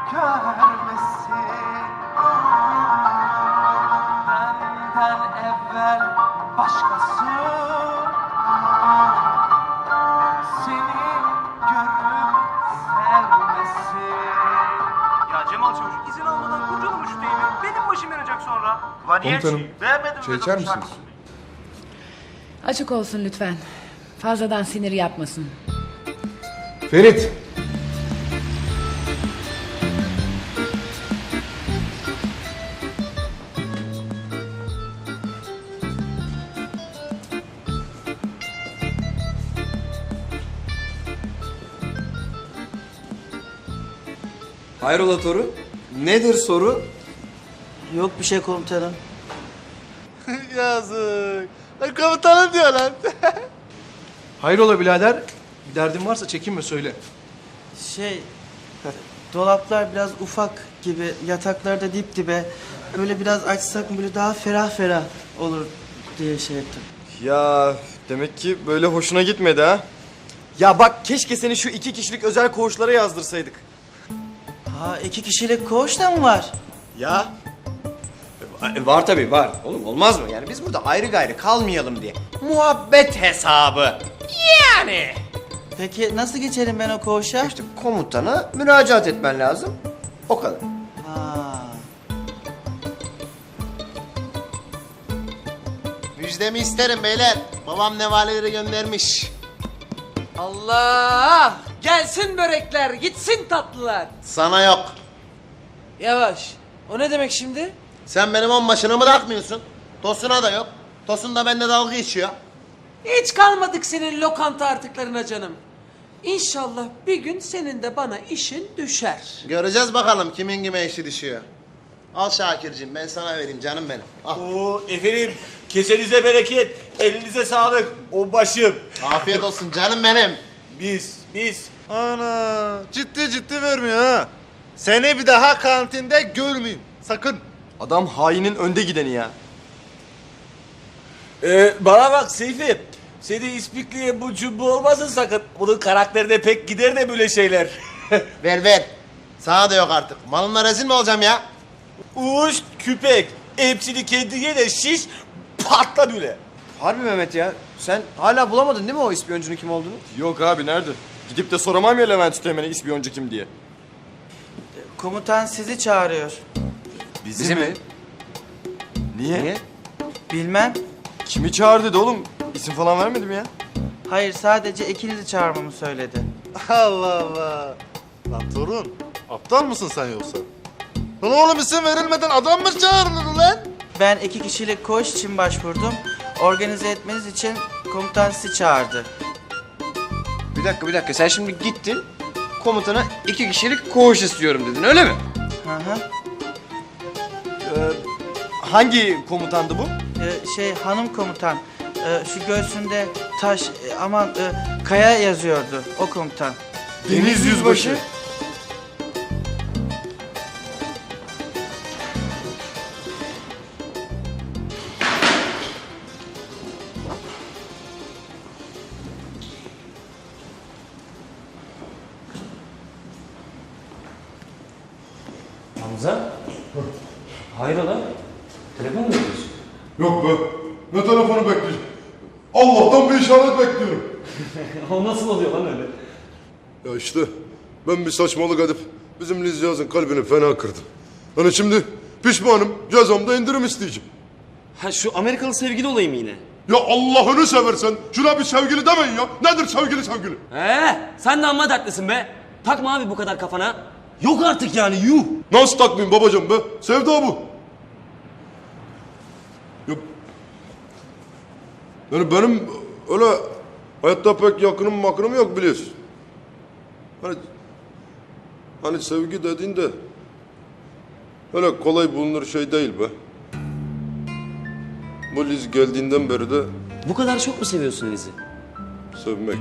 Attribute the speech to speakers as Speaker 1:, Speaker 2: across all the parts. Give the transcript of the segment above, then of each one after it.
Speaker 1: görmesin. Benden evvel başkası seni görüp sevmesin.
Speaker 2: Ya Cemal Çavuş izin almadan kurcalamış şu deyimi. Benim başım yanacak sonra. Ulan niye
Speaker 3: Komutanım,
Speaker 2: beğenmedim
Speaker 3: çay içer misiniz?
Speaker 4: Açık olsun lütfen. Fazladan sinir yapmasın.
Speaker 3: Ferit!
Speaker 5: Hayrola Toru? Nedir soru?
Speaker 6: Yok bir şey komutanım.
Speaker 1: Yazık. Lan komutanım diyor lan.
Speaker 3: Hayrola birader? Bir derdin varsa çekinme söyle.
Speaker 6: Şey, dolaplar biraz ufak gibi, yataklar da dip dibe. Böyle biraz açsak böyle daha ferah ferah olur diye şey ettim.
Speaker 5: Ya demek ki böyle hoşuna gitmedi ha? Ya bak keşke seni şu 2 kişilik özel koğuşlara yazdırsaydık.
Speaker 6: Ha 2 kişilik koğuş da mı var?
Speaker 5: Ya? Var tabii var. Oğlum olmaz mı? Yani biz burada ayrı gayrı kalmayalım diye. Muhabbet hesabı. Yani.
Speaker 6: Peki nasıl geçerim ben o koğuşa?
Speaker 5: İşte komutana müracaat etmen lazım. O kadar.
Speaker 6: Ha.
Speaker 1: Müjdemi isterim beyler. Babam nevaleleri göndermiş.
Speaker 7: Allah! Gelsin börekler, gitsin tatlılar.
Speaker 1: Sana yok.
Speaker 7: Yavaş. O ne demek şimdi?
Speaker 1: Sen benim onbaşını bırakmıyorsun. Tosun'a da yok. Tosun da bende dalga geçiyor.
Speaker 7: Hiç kalmadık senin lokanta artıklarına canım. İnşallah bir gün senin de bana işin düşer.
Speaker 1: Göreceğiz bakalım kimin kime işi düşüyor. Al Şakir'cim ben sana vereyim canım benim. Al.
Speaker 2: Oo efendim kesenize bereket, elinize sağlık. O başım.
Speaker 1: Afiyet olsun canım benim.
Speaker 2: Biz.
Speaker 8: Ana ciddi vermiyor ha. Seni bir daha kantinde görmeyeyim. Sakın.
Speaker 5: Adam hainin önde gideni ya.
Speaker 2: Bana bak Seyfi. Seni ispikliye bu cumbu olmasın sakın. Bunun karakterine pek gider de böyle şeyler.
Speaker 1: Ver. Sana da yok artık. Malınla rezil mi olacağım ya?
Speaker 2: Uş, küpek. Hepsini kendine de şiş, patla böyle.
Speaker 5: Harbi Mehmet ya. Sen hala bulamadın değil mi o ispiyoncunun kim olduğunu?
Speaker 3: Yok abi nerede? Gidip de soramam ya Levent Üsteğmen'e ispiyoncu kim diye.
Speaker 6: Komutan sizi çağırıyor.
Speaker 5: Bizi mi? Niye?
Speaker 6: Bilmem.
Speaker 5: Kimi çağır dedi oğlum? İsim falan vermedim ya.
Speaker 6: Hayır sadece ikinizi çağırmamı söyledi.
Speaker 8: Allah Allah. Lan torun. Aptal mısın sen yoksa? Lan oğlum isim verilmeden adam mı çağırılır lan?
Speaker 6: Ben 2 kişilik koğuş için başvurdum. Organize etmeniz için komutan sizi çağırdı.
Speaker 5: Bir dakika. Sen şimdi gittin. Komutana 2 kişilik koğuş istiyorum dedin öyle mi?
Speaker 6: Hı hı.
Speaker 5: Hangi komutandı bu?
Speaker 6: Hanım komutan. Şu göğsünde taş, kaya yazıyordu o komutan.
Speaker 5: Deniz Yüzbaşı.
Speaker 9: Hamza? Hayrola? Telefon mu ediyorsun?
Speaker 10: Yok be. Ne telefonu bekleyeceğim? Allah'tan bir işaret bekliyorum.
Speaker 9: O nasıl oluyor lan öyle?
Speaker 10: Ya işte ben bir saçmalık edip bizim Lizyaz'ın kalbini fena kırdım. Hani şimdi pişmanım, cezamda indirim isteyeceğim.
Speaker 9: Ha şu Amerikalı sevgili olayım yine.
Speaker 10: Ya Allah'ını seversen şuna bir sevgili demeyin ya. Nedir sevgili?
Speaker 9: Sen de amma dertlisin be. Takma abi bu kadar kafana. Yok artık yani yuh.
Speaker 10: Nasıl takmayayım babacığım be? Sevda bu. Ya, yani benim öyle hayatta pek yakınım yok biliyorsun. Hani sevgi dediğin de öyle kolay bulunur şey değil be. Bu Liz geldiğinden beri de
Speaker 9: Bu kadar çok mu seviyorsun Liz'i?
Speaker 10: sevmek.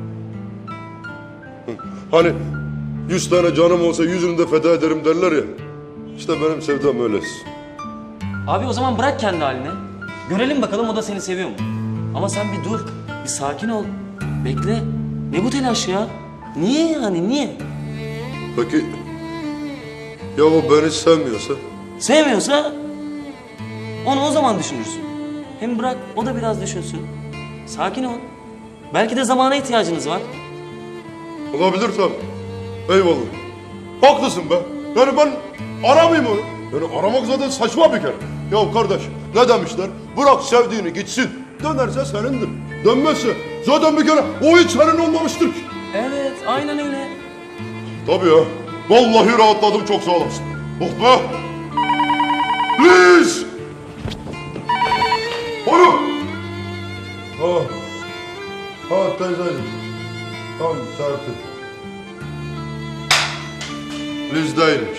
Speaker 10: Hani 100 tane canım olsa 100'ünü de feda ederim derler ya. İşte benim sevdam öylesi.
Speaker 9: Abi o zaman bırak kendi haline. Görelim bakalım o da seni seviyor mu? Ama sen bir dur. Bir sakin ol. Bekle. Ne bu telaş ya? Niye yani niye?
Speaker 10: Peki Ya o beni sevmiyorsa?
Speaker 9: Sevmiyorsa onu o zaman düşünürsün. Hem bırak o da biraz düşünsün. Sakin ol. Belki de zamana ihtiyacınız var.
Speaker 10: Olabilir tabii. Eyvallah. Haklısın be. Yani ben aramayayım onu. Yani aramak zaten saçma bir kere. Ya kardeş ne demişler? Bırak sevdiğini gitsin. Dönerse senindir. Dönmezse zaten bir kere o hiç senin olmamıştır ki.
Speaker 9: Evet, aynen öyle.
Speaker 10: Tabii ya. Vallahi rahatladım, çok sağ olasın. Oh be. Liz! Alo! Ha teyzeciğim. Tamam serpil. Liz değilmiş.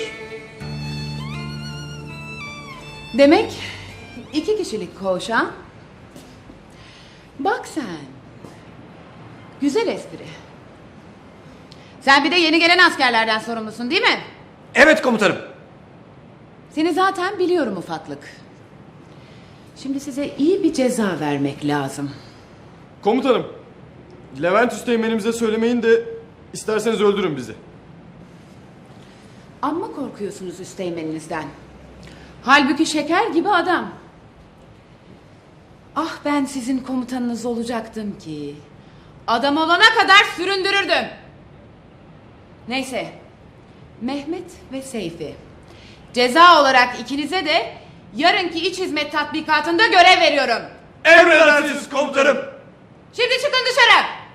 Speaker 4: Demek 2 kişilik koğuş ha? Bak sen. Güzel espri. Sen bir de yeni gelen askerlerden sorumlusun değil mi?
Speaker 5: Evet komutanım.
Speaker 4: Seni zaten biliyorum ufaklık. Şimdi size iyi bir ceza vermek lazım.
Speaker 3: Komutanım, Levent Üsteğmen'imize söylemeyin de isterseniz öldürün bizi.
Speaker 4: Amma korkuyorsunuz üsteğmeninizden. Halbuki şeker gibi adam. Ah ben sizin komutanınız olacaktım ki. Adam olana kadar süründürürdüm. Neyse. Mehmet ve Seyfi. Ceza olarak ikinize de yarınki iç hizmet tatbikatında görev veriyorum.
Speaker 5: Emredersiniz komutanım.
Speaker 4: Şimdi çıkın dışarı.